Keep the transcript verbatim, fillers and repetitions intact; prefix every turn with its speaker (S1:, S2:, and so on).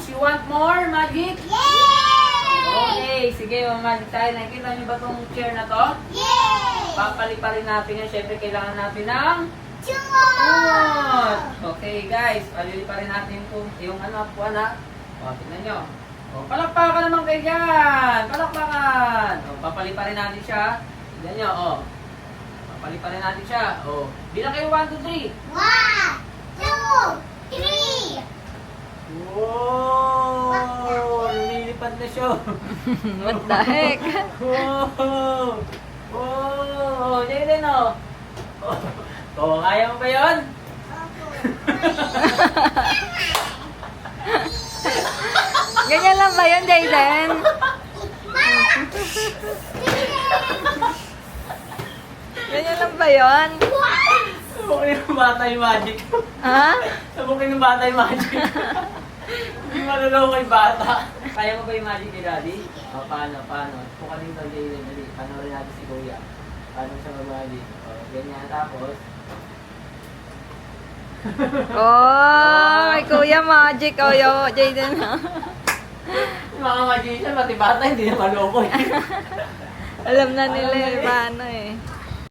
S1: Guys, you want more magic? Okay, sige, mag-magic tayo. Nakikita niyo ba itong chair na to? Papaliparin natin yan. Siyempre, kailangan natin ng kumot. Okay, guys, paliliparin natin yung, yung ano, puwan ha. O, tignan nyo. O, palakpakan naman kayo dyan. Palakpakan. O, papaliparin natin siya. Tignan nyo, o. Papaliparin natin siya. O, bilang kayo, one, two, three. Wow! Lumilipad na siya.
S2: What the heck?
S1: Wow! Wow! Jaden, o. O, kaya mo ba yun?
S2: Ganyan lang ba yun, Jayden? Ganyan lang ba yun?
S1: Sabukin ng bata yung magic.
S2: Ha?
S1: Sabukin ng bata yung magic. Hindi malalaw kay bata. Kaya mo ba yung magic ni Daddy? O, paano, paano? Pukanin daw Jaden, dali. Panoorin natin si Kuya. Paano siya mag-magic? O, ganyan. Tapos,
S2: Oh, may Kuya Magic. Oh, yo, Jayden.
S1: yung mga magician, pati bata, hindi na maloko eh.
S2: Alam na nila eh, paano eh.